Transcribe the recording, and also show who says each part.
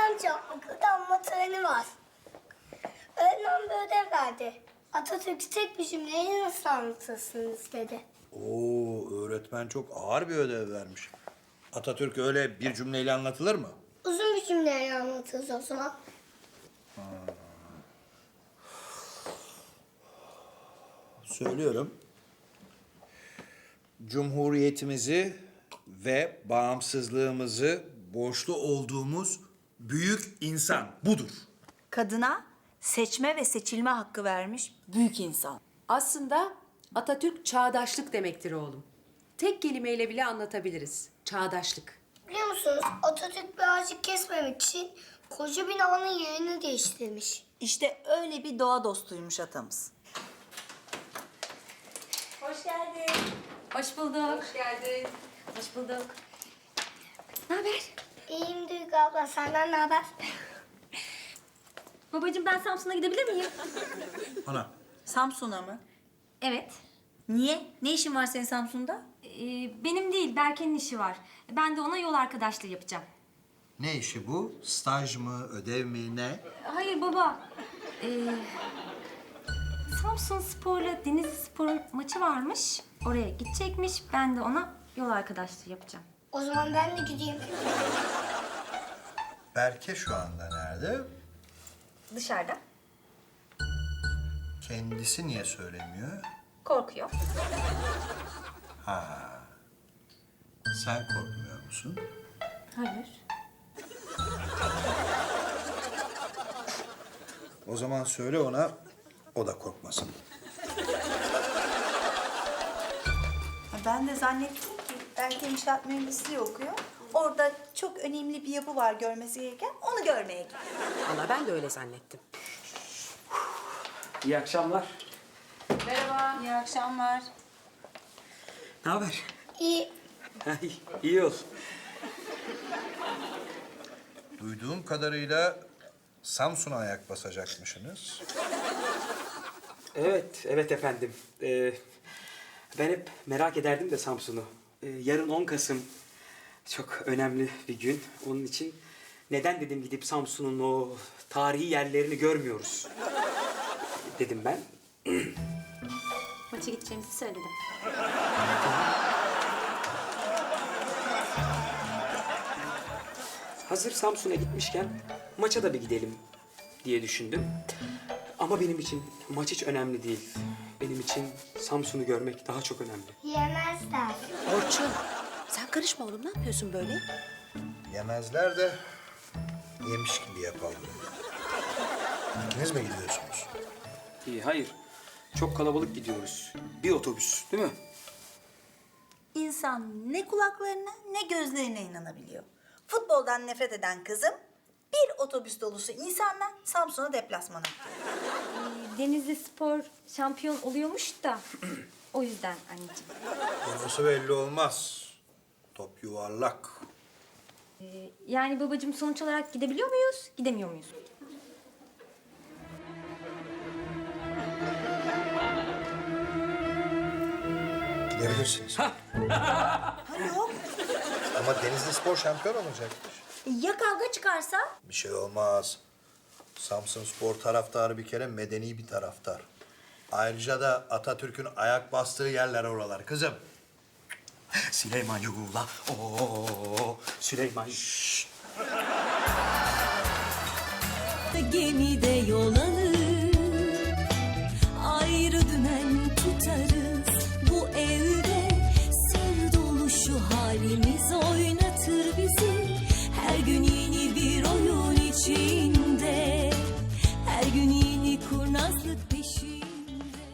Speaker 1: amca okulda anma töreni var. Öğretmen bir ödev verdi. Atatürk'ü tek bir cümleyle nasıl anlatırsınız dedi.
Speaker 2: Oo, öğretmen çok ağır bir ödev vermiş. Atatürk öyle bir cümleyle anlatılır mı?
Speaker 1: Uzun bir cümleyle anlatırız o zaman.
Speaker 2: Söylüyorum. Cumhuriyetimizi ve bağımsızlığımızı borçlu olduğumuz büyük insan budur.
Speaker 3: Kadına seçme ve seçilme hakkı vermiş büyük insan.
Speaker 4: Aslında Atatürk çağdaşlık demektir oğlum. Tek kelimeyle bile anlatabiliriz. Çağdaşlık.
Speaker 1: Biliyor musunuz Atatürk bir ağacı kesmemek için koca binanın yerini değiştirmiş.
Speaker 3: İşte öyle bir doğa dostuymuş atamız. Hoş geldin.
Speaker 5: Hoş bulduk. Hoş geldin. Hoş bulduk. Ne haber?
Speaker 1: İyiyim Duygu abla, senden ne haber?
Speaker 5: Babacığım ben Samsun'a gidebilir miyim?
Speaker 2: Ana.
Speaker 3: Samsun'a mı?
Speaker 5: Evet.
Speaker 3: Niye? Ne işin var senin Samsun'da?
Speaker 5: Benim değil, Berke'nin işi var. Ben de ona yol arkadaşlığı yapacağım.
Speaker 2: Ne işi bu? Staj mı, ödev mi, ne?
Speaker 5: Hayır baba. Samsun Spor'la Denizli Spor'un maçı varmış. Oraya gidecekmiş. Ben de ona yol arkadaşlığı yapacağım.
Speaker 1: O zaman ben de gideyim.
Speaker 2: Berke şu anda nerede?
Speaker 5: Dışarıda.
Speaker 2: Kendisi niye söylemiyor?
Speaker 5: Korkuyor.
Speaker 2: Sen korkmuyor musun?
Speaker 5: Hayır.
Speaker 2: O zaman söyle ona, o da korkmasın.
Speaker 3: Ben de zannettim ki belki inşaat mühendisliği okuyor. Orada çok önemli bir yapı var görmesi gereken, onu görmeye gidiyor.
Speaker 4: Vallahi ben de öyle zannettim.
Speaker 6: İyi akşamlar.
Speaker 3: İyi akşamlar.
Speaker 6: Ne haber?
Speaker 1: İyi.
Speaker 6: İyi ol.
Speaker 2: Duyduğum kadarıyla Samsun'a ayak basacakmışsınız.
Speaker 6: Evet efendim. Ben hep merak ederdim de Samsun'u. Yarın 10 Kasım çok önemli bir gün. Onun için neden dedim gidip Samsun'un o tarihi yerlerini görmüyoruz dedim ben.
Speaker 5: Maça gideceğimizi söyledim.
Speaker 6: Hazır Samsun'a gitmişken maça da bir gidelim diye düşündüm. Ama benim için maç hiç önemli değil. Benim için Samsun'u görmek daha çok önemli.
Speaker 1: Yemezler.
Speaker 4: Orçun, sen karışma oğlum. Ne yapıyorsun böyle?
Speaker 2: Yemezler de yemiş gibi yapalım. İkiniz mi gidiyorsunuz?
Speaker 6: Hayır. Çok kalabalık gidiyoruz. Bir otobüs, değil mi?
Speaker 3: İnsan ne kulaklarına ne gözlerine inanabiliyor. Futboldan nefret eden kızım bir otobüs dolusu insanla Samsun'a deplasmana gidiyor.
Speaker 5: Denizli Spor şampiyon oluyormuş da o yüzden anneciğim.
Speaker 2: Konusu belli olmaz. Top yuvarlak.
Speaker 5: Yani babacığım sonuç olarak gidebiliyor muyuz, gidemiyor muyuz?
Speaker 2: Gidebilirsiniz.
Speaker 3: Yok.
Speaker 2: Ama Denizli Spor şampiyon olacakmış.
Speaker 3: Ya kavga çıkarsa?
Speaker 2: Bir şey olmaz. Samsun Spor taraftarı bir kere medeni bir taraftar. Ayrıca da Atatürk'ün ayak bastığı yerler oralar kızım.
Speaker 6: Süleyman Yugula. Oo, Süleyman.
Speaker 7: Gemide yol alır.